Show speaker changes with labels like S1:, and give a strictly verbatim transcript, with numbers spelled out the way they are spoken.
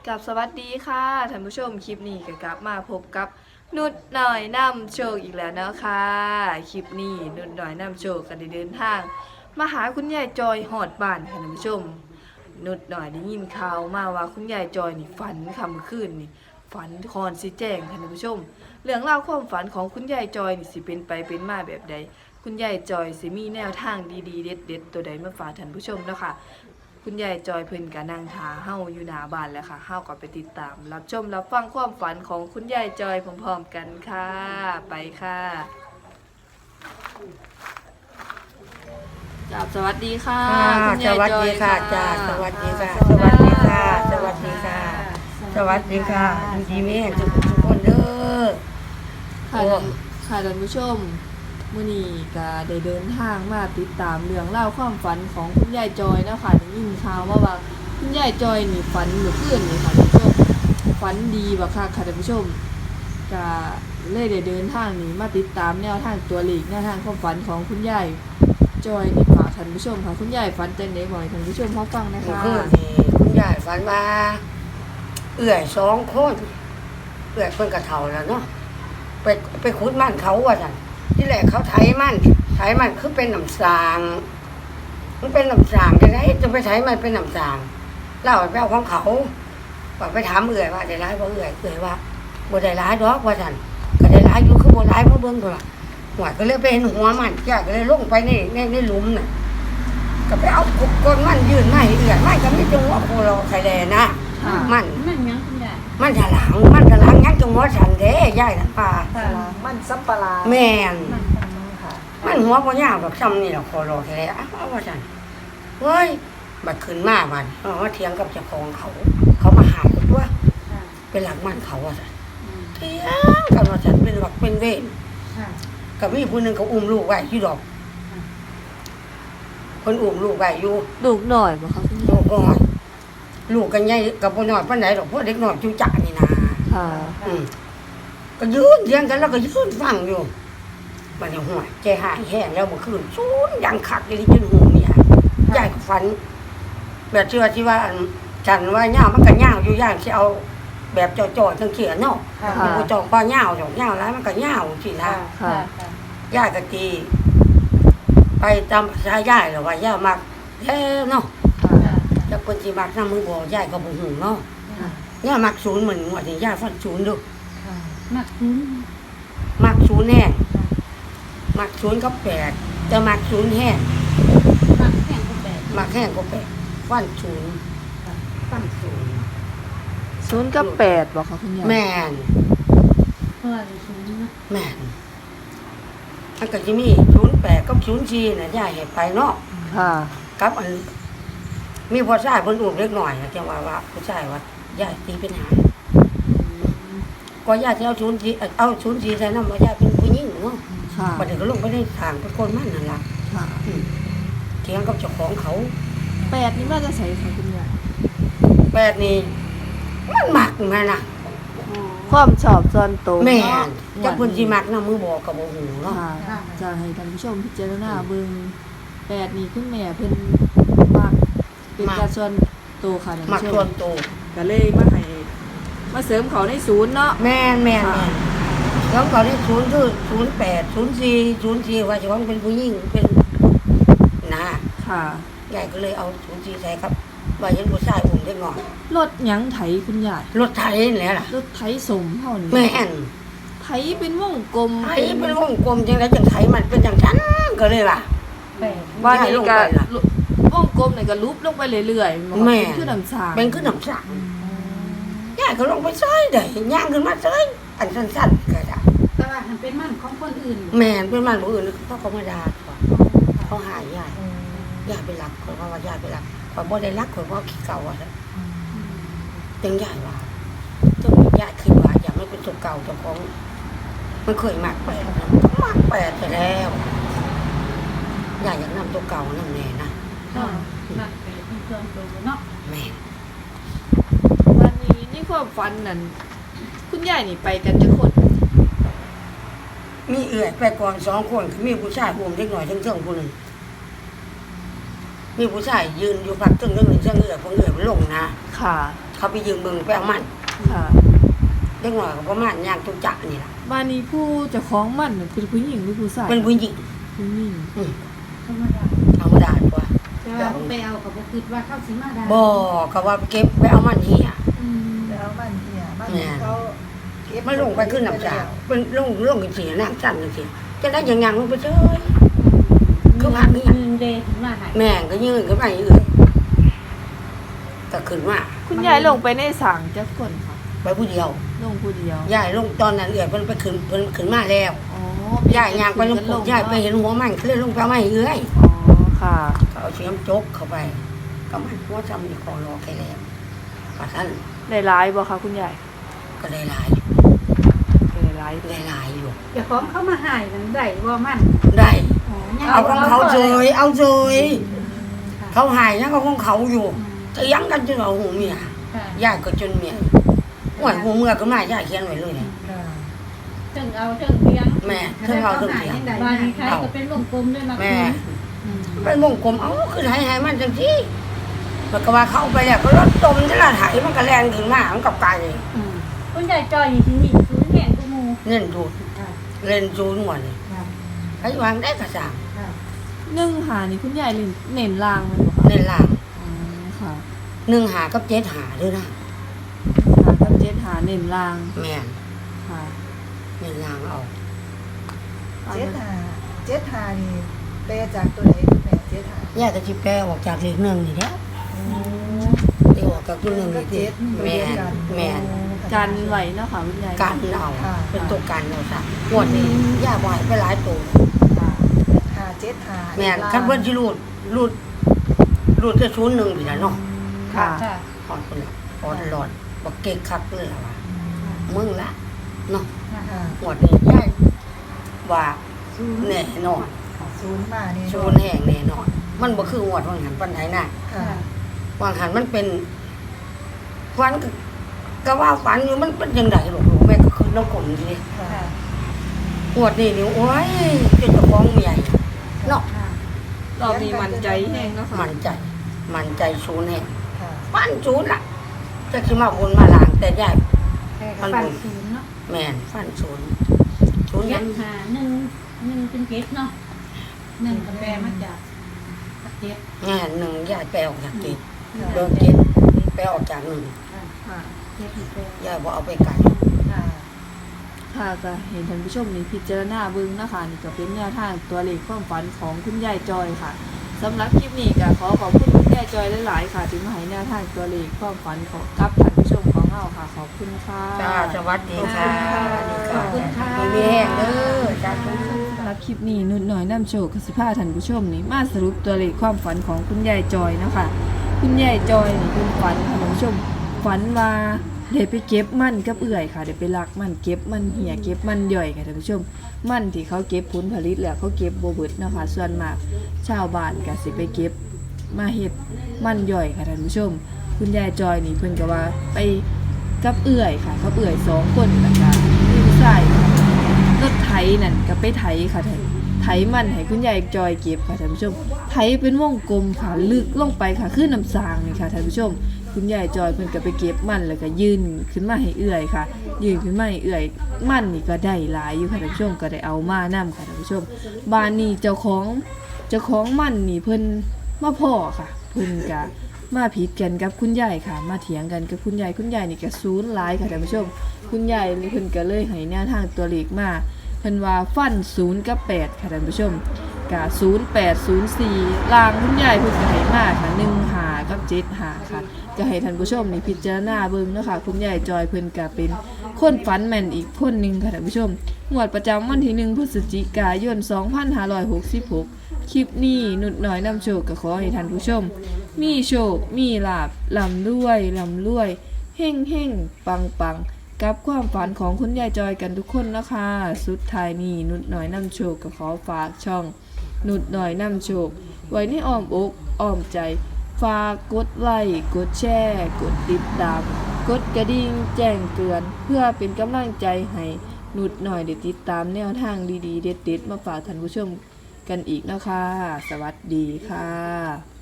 S1: กับสวัสดีค่ะท่านผู้ชมคลิปนี้ก็กลับมาพบกับนุดหน่อยนำโชคอีกแล้วนะคะคลิปนี้นุดหน่อยนำโชคกันได้เดินทางมาหาคุณยายจอยหอดบ้านค่ะท่านผู้ชมนุดหน่อยได้ยินข่าวมาว่าคุณยายจอยนี่ฝันค่ำคืนนี่ฝันคอนสิแจ้งค่ะท่านผู้ชมเรื่องเล่าวความฝันของคุณยายจอยนี่สิเป็นไปเป็นมาแบบใดคุณยายจอยสิมีแนวทางดีๆเด็ดๆตัวใดมาฝากท่านผู้ชมเนาะค่ะคุณยายจอยเพิ่นก็นั่งทาเฮาอยู่หน้าบ้านแล้วค่ะเฮาก็ไปติดตามรับชมรับฟังความฝันของคุณยายจอยพร้อมๆกันค่ะไปค่ะจ้าสวัสดีค่ะ
S2: ค่ะ
S1: คุณ
S2: ส
S1: ยาย
S2: วัส
S1: จอย
S2: ดีค่ะ
S1: ค่ะ
S2: จ้าสวัสดีค่ะ สวัสดีค่ะ สวัสดีค่ะ สวัสดีค่ะดีดีแม่ทุกทุกคนเด้อ
S1: ค่ะ
S2: โอ้
S1: ค่ะท่านผู้ชมมื้อนี้ก็ได้เดินทางมาติดตามเรื่องเล่าวความฝันของคุณยายจอยเนาะค่ะได้ยินข่าวมาว่าคุณยายจอยนี่ฝันเมื่อคืนนี่ค่ะท่านผู้ชมฝันดีบักคักค่ะท่านผู้ชมก็เลยได้เดินทางนี้มาติดตามแนวทางตัวเลขแนวทางความฝันของคุณยายจอยนี่ฝากท่านผู้ชมค่ะคุณยายฝันจังได๋บ่ให้ท่านผู้ชมเฮาฟังนะ
S2: เมื่อ
S1: คะ
S2: คืนนี่คุณยายฝันว่าเอื่อยสองคนเอื่อยเพิ่นกระเฒ่าแล้วเนาะไปไปขุดมันเขาว่าซั่นที่แรกเขาไถมันไถมันคือเป็นน้ำสางมันเป็นน้ำสางจังได๋จะไปไถมันเป็นน้ำสางเล่าไปเอาของเขาว่าไปถามเอื่อยว่าได้ร้ายบ่เอื่อยเอื่อยว่าบ่ได้ร้ายดอกว่าซั่นก็ได้ร้ายอยู่คือบ่ร้ายบ่เบิ่งพุ่นล่ะหัวก็เลยไปเห็นหัวมันยายก็เลยลงไปในในในหลุมน่ะก็ไปเอาก้นมันยื่นมาให้เอื่อยมันก็มีจังหวะโคโลไข่แลนะ
S1: ค่ะ
S2: มัน
S3: มันยังคุณยาย
S2: มันถลางมันถลางยังจังหวะฉันเด้ยายน่ะป่า
S1: มันสับปะหลาด
S2: แม่น
S3: มันเป็นยังค่ะ
S2: มันหัวบ่ยาวดอกซ้ำนี่ล่ะโคโลไข่แลเอาว่าซั่นเฮ้ยบัดขึ้นมาบัดเออมาเถียงกับเจ้าของเขา เขามาหาตัว
S3: ค่ะ
S2: เป็นหลักมันเขาว่าซั่น
S3: อืม
S2: เถียงกันว่าซั่นเป็นหลักเป็นเวร
S3: ค่ะ
S2: ก็มีผู้หนึงเขาอุ้มลูกไว้อยู่ดอกคนอุ้มลูกไว้อยู่
S1: ลูกหน่อยบ่คะคุณยาย
S2: ลูกน้อยลูกกันใหญ่กับบ่น้อยปานใดดอกพวกเด็กน้อยจุจ่านี่นะ
S1: ค่ะ
S2: อืมก็ยืนเถียงกันแล้วก็ยืนฟังอยู่บัดนี้หัวใจหายแห้งแล้วเมื่อคืนซูนดังคักเลยจนหูเนี่ยยายก็ฝัน แบบเชื่อที่ว่าอันฉันว่าย่าวมันก็ย่าวอยู่ย่างสิเอาแบบจ่อๆจังเขียนเนาะ
S3: ค่ะ
S2: มันบ่จ่อป้าย่าวจ่อย่าวแล้วมันก็ย่าวสินะ
S3: ค่ะ
S2: ยายก็ตี ไปตามภาษายายแล้วว่าย่ามักแท้เนาะ
S3: ค่ะ
S2: จักเพิ่นสิมักนำมือบ่ยายก็บ่ฮู้เนาะ
S3: ค่ะ
S2: ย่ามักศูนย์เหมือนว่าที่ย่าฟันศูนย์ดู
S3: ค่ะมักคุ้น
S2: มักศูนย์แน่มักศูนย์กับแปดแต่มักศูนย์แห้ง
S3: มักแข่งกับแบบ
S2: มักแห้งก็แปดฟันศูนย์
S3: ค่ะ
S2: ฟันศูนย์
S1: ศูนย์กับแปดบ่คะคุณยาย
S2: แม่น
S3: เพื่อนคุ้นนะ
S2: แม่นมันก็จะมีศูนย์แปดกับศูนย์สี่น่ะยายเห็นไปเนาะ
S1: ค่ะ
S2: กับอัน มีผู้ชายคนอุ้มเล็กหน่อยนะจังว่าว่าผู้ชายว่ายายตีเป็นหาก็ยายจะเอาศูนย์สี่เอาศูนย์สี่ใส่น้ำว่ายายเป็นผู้หญิงเนาะ
S1: ค่ะ
S2: บัดนี้ก็ลงไปในทางเป็นคนมันนั่นล่ะ
S1: ค่ะ
S2: อืมเถียงกับเจ้าของเขา
S1: แปดนี่มาจะใส่ค่ะคุณยาย
S2: แปดนี่มันมักมันน่ะ
S1: ความชอบส่วนตัว
S2: แม่
S1: เนาะ
S2: นจักเพิ่นสิมักนำมือบอกก็บ่ฮู้เนาะ
S1: ค่ะจะให้ท่านผู้ชมพิจารณาเบิ่งแปดนี่คุณแม่เพิ่นมักเป็นการส่วนตัวค่ะท่าน
S2: มัก
S1: ผู้ช
S2: ส่ว
S1: ม
S2: นตัว
S1: ก็เลยมาให้มาเสริมเขาในศูนย์เนาะ
S2: แม่นแม่น
S1: ค่ะ
S2: แม่นแล้วเขาได้ศูนย์คือศูนย์แปดศูนย์สี่ศูนย์สี่ว่าเจ้าของเป็นผู้หญิงเป็นนะ
S1: ค่ะ
S2: ยายก็เลยเอาศูนย์สี่ใส่ครับว่าเห็นผู้ชายอุ้มเล็กน้อย
S1: รถหยังไถคุณยาย
S2: รถไถนี่แหละล่ะ
S1: รถไถสมเฮานี่
S2: แม่น
S1: ไถเป็นวงกลม
S2: ไถเป็นวงกลมจังไดจังไถมันเป็นจังซั่นก็เลยว่า
S3: แปด
S1: ว่านี่
S2: ย้ายลง
S1: ก็
S2: ไปล่ะ
S1: วงกลมนี่ก็ลุบลงไปเรื่อยๆมันก็
S2: แม่
S1: เป็นคือน้ำสาง
S2: เป็นขึ้นน้ำสักยายก็ลงไปซอยได้ย่างขึ้นมาซอยอันสั้นๆก็ได้
S3: แต่ว่ามันเป็นมันของคนอื่น
S2: แม่นเป็นมันบ่อื่นเพราะเขามาด่าเขาหายายยายไปรักเขาเพราะว่ายายไปรักข่อยบ่ได้รักข่อยบ่ขี้เก่าอ่ะจังยายว่าจังยายคิดว่าอยากไม่เป็นตัวเก่าเจ้าของมันเคยมักแปดนะมักแปดไปแล้วยายอยากนำตัวเก่านั่นแน่นะ
S3: ค่ะมักแปดเป็นเครื่องตัวเนาะ
S2: แม่น
S1: วันนี้นี่ความฝันนั่นคุณยายนี่ไปกันจะคน
S2: มีเอื่อยไปก่อนสองคนมีผู้ชายอุ้มเล็กน้อยทั้งเทิงผู้หนึงมีผู้ชายยืนอยู่พักตึ้งเรื่องหนึ่งเรื่องเอื่อยพวกเอื่อยลงนะ
S1: ค่ะ
S2: เขาไปยืมเบิ่งไปเอามัน
S1: ค่ะ
S2: เด็กหน่อยก็ประมาณย่างจุจักนี่ล่ะ
S1: บ้านนี้ผู้เจ้าของมันน่ะเป็นผู้หญิงหรือผู้ชาย
S2: เป็นผู้หญิง
S1: ผู้หญิง
S2: อืม
S3: ธรรมดา
S2: ธรรมดาตัว
S3: แต่ว่าบ่ไปเอาก็บ่คิดว่าเข้าสิมาได้
S2: บ่ก็ว่าเก็บไปเอามันเหีย
S3: อืม
S4: แล้วมันเนี่ยมัน
S2: แม่
S4: เขาเก็บ
S2: มันลงไปขึ้นน้ำจาเป็นลงลงกันสิน้ำสั่นกันสิจะได้ยังยังลงไปเฉย คือว่ามี
S3: เงินเดถึงมาให้
S2: แม่งก็ยืนขึ้นไปเอื่อยก็ขึ้นมา
S1: คุณยายลงไปในสางจักคนค่ะ
S2: ไปผู้เดียว
S1: ลงผู้เดียว
S2: ยายลงตอนนั้นเอื่อยเพิ่นไปขึ้นเพิ่นขึ้นมาแล้ว
S1: อ๋อย
S2: ายยางไปลงปุ๊บยายไปเห็นหัวมันก็เลยลงไปเอาไม้เอื่อย
S1: อ๋อค่ะ
S2: เขาเอาเสียมจกเข้าไปก็มันหัวจำนี่ของรอแค่แล้วปะท่าน
S1: ได้ร้ายบ่คะคุณยาย
S2: ก็ได้หลาย
S1: ได้ร้าย
S2: ได้หลายอยู่
S3: เดี๋ยวของเข้ามาให้นั่นได้บ่มัน
S2: ได้
S3: อ๋อยัง
S2: เอาของเขาเฉยเอาเฉย
S3: ค่ะ
S2: เขาหายยังก็ของเขาอยู่จะยังกันจนเอาหูเมีย
S3: ค่ะ
S2: ยายก็จนเมียหวยหูเมื่อก็มายายเขียนไว้เลยเนี่ย
S4: ค่ะ
S3: ถึงเอาถึงเพียง
S2: แม่ถึงเอาถึงเพียง
S3: บ้านนี้ใครก็เป็นวงกลมด้วยนะ
S2: แม่
S3: อืม
S2: เป็นวงกลมเอ้าคือไถไถมันจังซี่มันก็ว่าเข้าไปแล้วก็รถจมที่ละไถมันก็แรงขึ้นมามันกับไก่
S3: อืมคุณยายจอยนี่ที่นี่ศูนย์แห่งกูมู
S2: เล่นดูด
S3: ค่ะ
S2: เล่นจูนหมดเลย
S3: ค่ะ
S2: ไอ้วางได้กระสัง
S3: ค่ะ
S1: หนึ่งหานี่คุณยายเล่นเน้นลางแมันบ่คะ
S2: เล่นล่าง
S1: อ๋อค่ะ
S2: หนึ่งหากับเจ็ดหาด้วยนะ
S1: หากับเจ็ดหาเน้นลาง
S2: แม่น
S1: ค่ะ
S2: เล่นล่างเอา
S4: เจ็ดหาเจ็ดหานี่แปลจากตัวไหนคุณแม่เจ็ดหา
S2: ยายก็จิแปลออกจากเลขหนึ่งนี่แหล้ว
S4: โอ้
S2: เดี๋ยวออกจากตัวหนึ่ง
S4: ก็
S2: นี่
S4: เจ็
S2: ติ
S4: ด
S2: แม่นแม่น
S1: กันไหวเนาะค่ะคุณยาย
S2: การเอาเป็นตัวการเอาซะงวดนี้ย่าบ่ให้ไปหลายตัว
S1: ค่ะ
S4: หาเจ็ดหา
S2: แม่นคันเพิ่นสิรูดรูดรูดแค่ศูนย์หนึ่งนี่ล่ะเนาะ
S1: ค่ะ
S3: ค่ะ
S2: ฮอดพุ่นน่ะฮอดหลอดบ่เก่งคักเลยล่ะว่ามึงละเนาะ
S3: ค่ะ
S4: ค่ะ
S2: งวดนี้ยายว่า
S4: ศูนย์
S2: แน่นอน
S4: ศูนย์มานี่
S2: ศูนย์แห่งแน่นอน มันบ่คืองวดวางหันปานใดน่ะ
S4: ค่ะ
S2: วางหันมันเป็นฝันก็ก็ว่าฝันอยู่มันเป็นจังไดลูกๆแม่ก็คือน้ำกลนทีนี้
S4: ค่ะ
S3: ค่ะ
S2: งวดนี้นี่โอ้ยเจ้าของเมียเนาะ
S3: ค่ะ
S1: รอบนี้มันใจแห้งเนาะค่ะ
S2: มันใจ มันใจศูนย์แห่ง
S4: ค่ะ
S2: ฟันศูนย์ล่ะจะสิมาบนมาลางแต่ยาย
S3: แต่ก็ปั่นศูนย์เนาะ
S2: แม่นฟันศูนย์ศูนย์
S3: เจ็
S2: ยั
S3: ด
S2: ง
S3: หาหนึ่งหนึ่งเป็นเจ็ดเนาะหนึ่งกับแปลมาจากเจ็ด
S2: งานหนึ่งยายแปลออกจากเจ็ด
S4: ค่ะ
S2: โดนเจ็ดแปลออกจากหนึ่ง
S3: ค่ะ
S1: ค่ะ
S3: เจ็ดแปล
S2: ยายบ่เอาไปไกล
S4: ค่ะ
S1: ค่ะก็เห็นท่านผู้ชมนี่พิจารณาเบิ่งนะคะนี่ก็เป็นแนวทางตัวเลขความฝันของคุณยายจอยค่ะสำหรับคลิปนี้ก็ขอขอบคุณคุณยายจอยหลายๆค่ะที่มาให้แนวทางตัวเลขความฝันของกับท่านผู้ชมของเราค่ะ ขอบคุณค่ะ
S2: จ้าสวัสดีค่ะ
S3: ขอบคุณค่ะ
S2: มีแห้งเด้อจ้า
S1: สำหรับคลิปนี้นุ่นหน่อยน้ำโชคกสิพาท่านผู้ชมนี่มาสรุปตัวเลขความฝันของคุณยายจอยนะคะ คุณยายจอยนี่คุณฝันค่ะท่านผู้ชมฝันว่าเดี๋ยวไปเก็บมันกับเอื่อยค่ะเดี๋ยวไปลักมันเก็บมันเหี่ยเก็บมันย่อยค่ะท่านผู้ชม มันที่เขาเก็บผลผลิตแล้วเขาเก็บโบเบิดเนาะคะส่วนมากชาวบ้านก็สิไปเก็บมาเฮ็ดมันย่อยค่ะท่านผู้ชม คุณยายจอยนี่เพิ่นก็ว่าไปกับเอื่อยค่ะกับเอื่อยสองคนนะคะมีผู้ชายรถไถนั่นก็ไปไถค่ะท่านไถมันให้คุณยายจอยเก็บค่ะท่านผู้ชมไถเป็นวงกลมค่ะลึกลงไปค่ะคือน้ำสางนี่ค่ะท่านผู้ชม คุณยายจอยเพิ่นก็ไปเก็บมันแล้วก็ยืนขึ้นมาให้เอื่อยค่ะ ยืนขึ้นมาให้เอื่อยมันนี่ก็ได้หลายอยู่ค่ะท่านผู้ชมก็ได้เอามานํค่ะท่านผู้ชมบ้านนี้เจ้าของเจ้าของมันนี่เพิ่นมาพ่อค่ะ เพิ่นก็มาผิดกันกับคุณยายค่ะ มาเถียงกันกับคุณยายคุณยายนี่ก็ศูนย์หลายค่ะท่านผู้ชม คุณยายนี่เพิ่นก็เลยให้แนวทางตัวเลขมาเพิ่นว่าฟันศูนย์กับแปดค่ะท่านผู้ชมกะศูนย์แปดศูนย์สี่ลางคุณยายเพิ่นก็ให้มาค่ะหนึ่งหากับเจ็ดหาค่ะ ก็ให้ท่านผู้ชมนี่พิจารณาเบิ่งเนาะค่ะคุณยายจอยเพิ่นก็เป็นคนฝันแม่นอีกคนหนึงค่ะท่านผู้ชมงวดประจำวันที่หนึ่งพฤศจิกายนสองพันห้าร้อยหกสิบหกคลิปนี้นุดน้อยนำโชคก็ขอให้ท่านผู้ชม มีโชคมีลาภร่ำรวยร่ำรวยเฮ่งเฮ่งปังปังกับความฝันของคุณยายจอยกันทุกคนนะคะสุดท้ายนี้นุดน้อยนำโชคก็ขอฝากช่อง นุดน้อยนำโชค ไว้ในอ้อมอกอ้อมใจ ฝากกดไลค์กดแชร์กดติดตาม กดกระดิ่งแจ้งเตือน เพื่อเป็นกำลังใจให้นุดหน่อยได้ติดตามแนวทางดีๆ เด็ดๆ มาฝากท่านผู้ชมกันอีกนะคะ สวัสดีค่ะ